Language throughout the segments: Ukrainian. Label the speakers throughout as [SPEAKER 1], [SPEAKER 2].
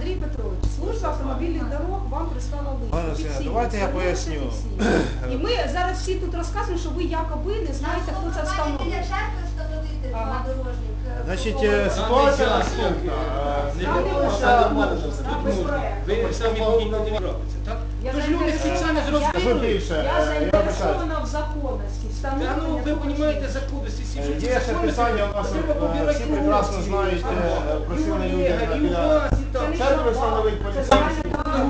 [SPEAKER 1] Андрій Петрович, служба автомобільних дорог вам прислала лист. Офіційно.
[SPEAKER 2] Давайте я поясню.
[SPEAKER 1] І ми зараз всі тут розказуємо, що ви якоби не знаєте, хто це встановив.
[SPEAKER 3] Біля церкви встановити дорожник.
[SPEAKER 2] Значить, ситуація наступна.
[SPEAKER 4] Ви самі логічно не робите, так? Тож люди спеціально
[SPEAKER 2] Скажу більше,
[SPEAKER 1] Я заінтересована в законності, встановлення.
[SPEAKER 4] Та ну, ви розумієте законності, що ці
[SPEAKER 2] Є ще питання, у нас всі прекрасно знають просили люди біля церкви встановити поліцейські.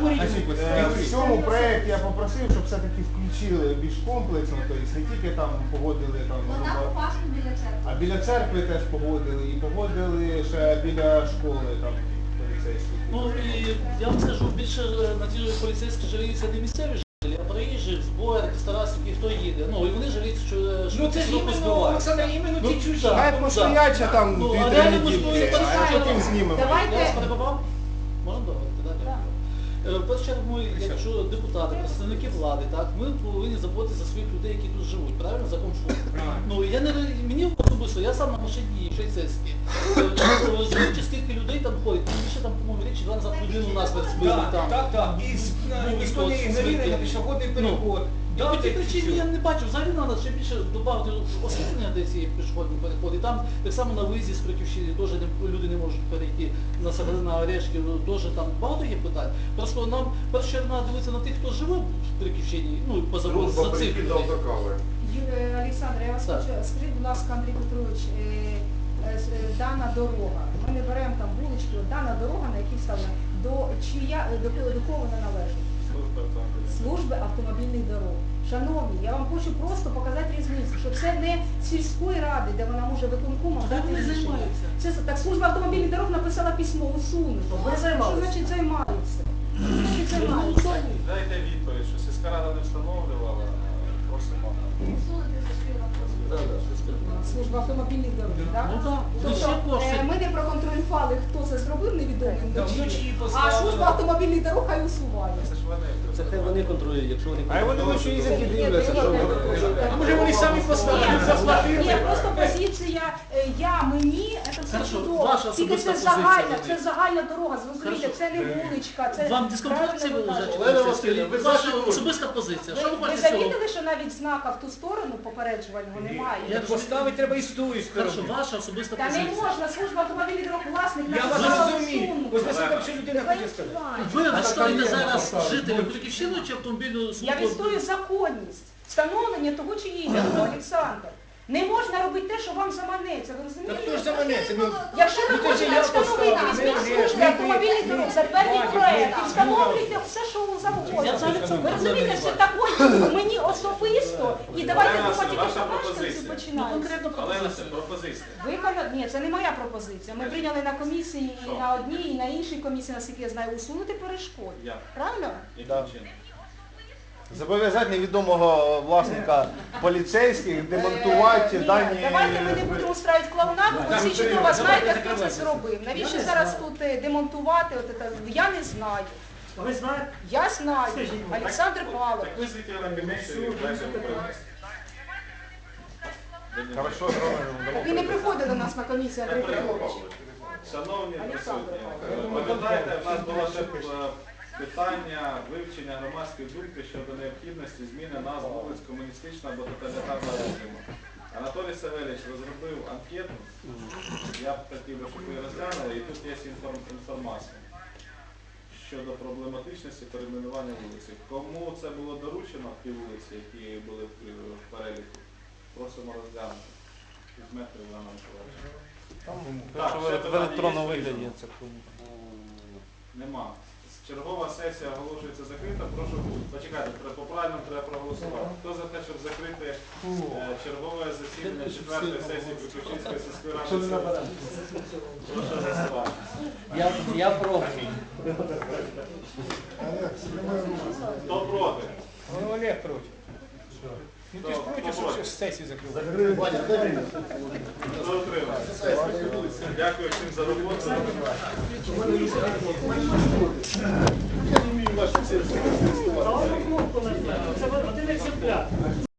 [SPEAKER 2] В цьому проєкті я попросив, щоб все-таки включили більш комплексно, тобто не тільки там погодили там,
[SPEAKER 3] Вона опасна біля церкви.
[SPEAKER 2] а біля церкви теж погодили, і погодили ще біля школи там поліцейські.
[SPEAKER 5] Ну і я вам скажу, більше на ті поліцейські жаліються не місцеві жителі, а приїжджі, збори, Старасівки, хто їде. Ну і вони жаліються, що
[SPEAKER 4] Ну це ж
[SPEAKER 5] швидко
[SPEAKER 4] іменно,
[SPEAKER 5] збивають.
[SPEAKER 4] Олександр, іменно ті чужі.
[SPEAKER 2] Хай постоять ще там
[SPEAKER 5] Ну, а
[SPEAKER 2] 2-3
[SPEAKER 5] реально
[SPEAKER 2] неділі,
[SPEAKER 5] можливо,
[SPEAKER 2] а
[SPEAKER 5] так,
[SPEAKER 2] потім знімемо.
[SPEAKER 1] Давайте.
[SPEAKER 5] Я вас перебував? Можна договорити, так?
[SPEAKER 1] Так.
[SPEAKER 5] В першу чергу, ми, якщо депутати, представники влади, так, ми повинні заботитися за своїх людей, які тут живуть, правильно, за комфорт. Ну, я не, мені особисто, я сам на машині швейцарській. Розуміючи, скільки людей там ходить, більше там, по-моєму, річ, 2 назад людину у нас збили там.
[SPEAKER 4] Так. І ніхто не ігнорує на пішохідний переход.
[SPEAKER 5] І по тій причині я не бачу, взагалі треба ще більше додати освітлення де цієї пішохідні переходи. Там так само на виїзді з Криківщини теж люди не можуть перейти на Орешки, теж там багато є питань. Просто нам перше треба дивитися на тих, хто живе в Криківщині, ну поза за цих людей.
[SPEAKER 1] Олександр, я вас
[SPEAKER 5] Так.
[SPEAKER 1] хочу, скажіть, будь ласка, Андрій Петрович, дана дорога, ми не беремо там вулички, от дана дорога, на якій вставлена, до кого вона належить? Служби автомобільних дорог. Шановні, я вам хочу просто показати різницю, що це не сільської ради, де вона може виконкомом
[SPEAKER 5] Так
[SPEAKER 1] дати
[SPEAKER 5] вони
[SPEAKER 1] рішення.
[SPEAKER 5] займаються.
[SPEAKER 1] Так служба автомобільних дорог написала письмо, усунути.
[SPEAKER 5] Вони займаються.
[SPEAKER 1] Що значить займаються? Що значить займаються?
[SPEAKER 6] Дайте відповідь, що сільська рада не встановлювала, просимо.
[SPEAKER 3] Усунути зашкірно.
[SPEAKER 1] Служба автомобільних дорог, так?
[SPEAKER 5] Ну так, ну ще
[SPEAKER 1] Тобто
[SPEAKER 5] кошти.
[SPEAKER 1] ми не проконтролювали, хто це зробив невідомим
[SPEAKER 4] Да,
[SPEAKER 1] дочі,
[SPEAKER 4] вночі
[SPEAKER 1] а
[SPEAKER 4] поставили.
[SPEAKER 1] служба автомобільних дорог хай усуває.
[SPEAKER 6] Це ж вони.
[SPEAKER 7] Це хай вони контролюють, якщо вони
[SPEAKER 2] А й вони вночі їздять і дивляться, що ви.
[SPEAKER 4] А може вони самі поставили, заплатили?
[SPEAKER 1] Ні, просто позиція мені, це все
[SPEAKER 5] Хорошо,
[SPEAKER 1] чудово.
[SPEAKER 5] ваша
[SPEAKER 1] Тільки
[SPEAKER 5] особиста
[SPEAKER 1] це
[SPEAKER 5] позиція,
[SPEAKER 1] загальна,
[SPEAKER 5] Андрій.
[SPEAKER 1] це загальна дорога, зрозумієте,
[SPEAKER 5] Хорошо.
[SPEAKER 1] це не вуличка, це...
[SPEAKER 5] Вам дискомфорт це
[SPEAKER 1] правильно ви
[SPEAKER 5] вилежать?
[SPEAKER 1] кажете.
[SPEAKER 2] Олена Василівна, ви
[SPEAKER 5] Ваша
[SPEAKER 2] за
[SPEAKER 5] особиста позиція. Що ви
[SPEAKER 1] Ви
[SPEAKER 5] хочете цього?
[SPEAKER 1] замітили, що навіть знака в ту сторону попереджувального немає?
[SPEAKER 5] Я-
[SPEAKER 4] Поставити треба і з тої
[SPEAKER 5] Хорошо,
[SPEAKER 4] сторони.
[SPEAKER 5] ваша особиста
[SPEAKER 1] Та не
[SPEAKER 5] позиція.
[SPEAKER 1] можна, служба автомобільних дорог власник
[SPEAKER 4] Я вас
[SPEAKER 1] написала
[SPEAKER 4] розумію.
[SPEAKER 1] усунути.
[SPEAKER 4] Ось наскільки ще людина хоче сказати.
[SPEAKER 5] Ви відстоїте зараз жителів Криківщини чи автомобільну
[SPEAKER 1] Я
[SPEAKER 5] службу?
[SPEAKER 1] відстоюю законність, встановлення того чи іншого, Олександр. Не можна робити те, що вам заманеться, ви
[SPEAKER 4] Та
[SPEAKER 1] розумієте?
[SPEAKER 4] хто ж заманеться? Ну,
[SPEAKER 1] Якщо ви
[SPEAKER 4] Ну, ти ж
[SPEAKER 1] хочете
[SPEAKER 4] я
[SPEAKER 1] встановити
[SPEAKER 4] поставлю,
[SPEAKER 1] візьміть
[SPEAKER 4] ми
[SPEAKER 1] служби
[SPEAKER 4] ж,
[SPEAKER 1] автомобільних
[SPEAKER 4] ми-
[SPEAKER 1] дорог,
[SPEAKER 4] ми-
[SPEAKER 1] затвердіть
[SPEAKER 4] Бачиш,
[SPEAKER 1] проект і
[SPEAKER 4] ми-
[SPEAKER 1] встановлюйте все, що завгодно.
[SPEAKER 5] Я взагалі в цьому
[SPEAKER 1] Ви розумієте,
[SPEAKER 5] проблеми
[SPEAKER 1] це
[SPEAKER 5] не
[SPEAKER 1] також мені особисто, і давайте
[SPEAKER 6] Олена
[SPEAKER 1] думати,
[SPEAKER 6] Василівна,
[SPEAKER 1] що
[SPEAKER 6] ваша
[SPEAKER 1] мешканці
[SPEAKER 6] пропозиція.
[SPEAKER 5] Ну,
[SPEAKER 1] починають.
[SPEAKER 5] конкретно
[SPEAKER 6] Олена, це
[SPEAKER 5] пропозиція.
[SPEAKER 6] пропозиція.
[SPEAKER 1] Ні, це не моя пропозиція. Ми прийняли на комісії і
[SPEAKER 6] Що?
[SPEAKER 1] на одній, і на іншій комісії, наскільки я знаю, усунути перешкоди.
[SPEAKER 6] Як?
[SPEAKER 1] Правильно?
[SPEAKER 6] Яким чином?
[SPEAKER 2] Зобов'язати невідомого власника поліцейських демонтувати
[SPEAKER 1] Ні,
[SPEAKER 2] дані.
[SPEAKER 1] давайте ми не будемо устраивати клоунаду, бо всі чудово
[SPEAKER 4] Давайте
[SPEAKER 1] знаєте, хто це
[SPEAKER 4] закривайте.
[SPEAKER 1] зробив. Навіщо зараз тут демонтувати? Я не знаю.
[SPEAKER 5] Ви знаєте?
[SPEAKER 1] Я знаю. Олександр Павлов.
[SPEAKER 6] Так визвіть на комісію, дайте виправити.
[SPEAKER 2] Хорошо, зробимо.
[SPEAKER 1] Він не приходить до нас на комісію, Андрій Петрович.
[SPEAKER 6] Шановні присутні, пам'ятаєте, в нас було ще питання вивчення громадської думки щодо необхідності зміни назв вулиць комуністичного або тоталітарного режиму. Анатолій Савельович розробив анкету, я б хотів би, щоб ви розглянули, і тут є інформація щодо проблематичності перейменування вулиці. Кому це було доручено, ті вулиці, які були в переліку, просимо розглянути. Візьмете Івана Миколаївича. Так, ще
[SPEAKER 2] В
[SPEAKER 6] питання
[SPEAKER 2] електронному
[SPEAKER 6] є,
[SPEAKER 2] вигляді
[SPEAKER 6] скажіть?
[SPEAKER 2] це кому?
[SPEAKER 6] Нема. Чергова сесія оголошується закрита. Прошу, почекайте, по правильному треба проголосувати. Хто за те, щоб закрити чергове засідання 4-ї сесії Криківщинської сільської ради? Прошу голосувати.
[SPEAKER 7] Я проти.
[SPEAKER 6] Хто проти?
[SPEAKER 4] Ну, Олег проти. Ну ти ж
[SPEAKER 6] Хто
[SPEAKER 4] проти,
[SPEAKER 6] проти?
[SPEAKER 4] що сесію закрили.
[SPEAKER 6] Хто утримався? Дякую всім за роботу.
[SPEAKER 5] Це один екземпляр.